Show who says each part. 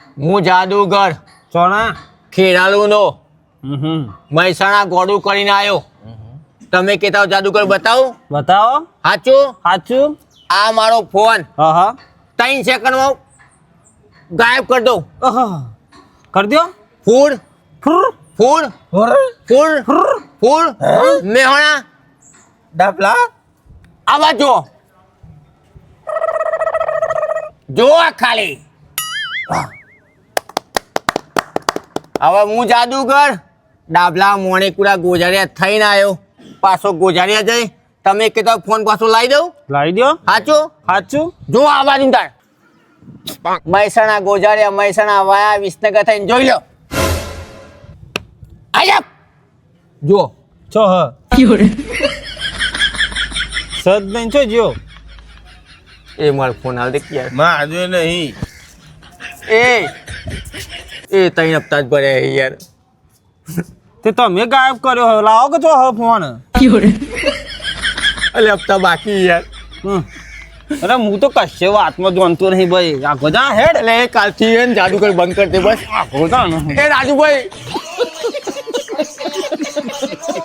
Speaker 1: હું જાદુગર
Speaker 2: ચોણા
Speaker 1: ખેરાલુનો મહેસાણા ગોડું કરીને આવ્યો. તમે કહેતા હો જાદુગર બતાવું?
Speaker 2: બતાવો.
Speaker 1: સાચું?
Speaker 2: સાચું.
Speaker 1: આ મારો ફોન
Speaker 2: હા
Speaker 1: 3 સેકન્ડમાં ગાયબ કરી દઉં.
Speaker 2: કરી દો.
Speaker 1: ફૂડ ફૂડ ફૂડ ફૂડ મેહોણા
Speaker 3: ડબલા
Speaker 1: આવા જો ખાલી. હવે હું જાદુગર ડાબલા મોણેકુડા ગોજારિયા થઈને આવ્યો. પાછો ગોજારિયા જઈ તમે કહેતા ફોન પાછો લાવી દઉં?
Speaker 2: લાવી દો.
Speaker 1: સાચું?
Speaker 2: સાચું.
Speaker 1: જો આ બાજુ તાર મહેસાણા ગોજારિયા મહેસાણા વાયા વિસનગર થઈને જોઈ લો. આયા જો
Speaker 2: છો હ સદ નહીં છો જીઓ.
Speaker 1: એ મારો ફોન હાલ દે યાર.
Speaker 3: માં આજે નહીં
Speaker 1: એ 3 હપ્તા જ ભર્યા યાર.
Speaker 2: તે તમે ગાયબ કર્યો હવે લાવો કે છો હ ફોન.
Speaker 1: એટલે હપ્તા બાકી યાર.
Speaker 2: અરે હું તો કશે વાતમાં જોનતો નહીં ભાઈ. આ ગોજા હેડ
Speaker 1: એટલે એ કાલથી એને જાદુગર બંધ કરી દે બસ.
Speaker 2: આ ગોજા
Speaker 1: એ રાજુભાઈ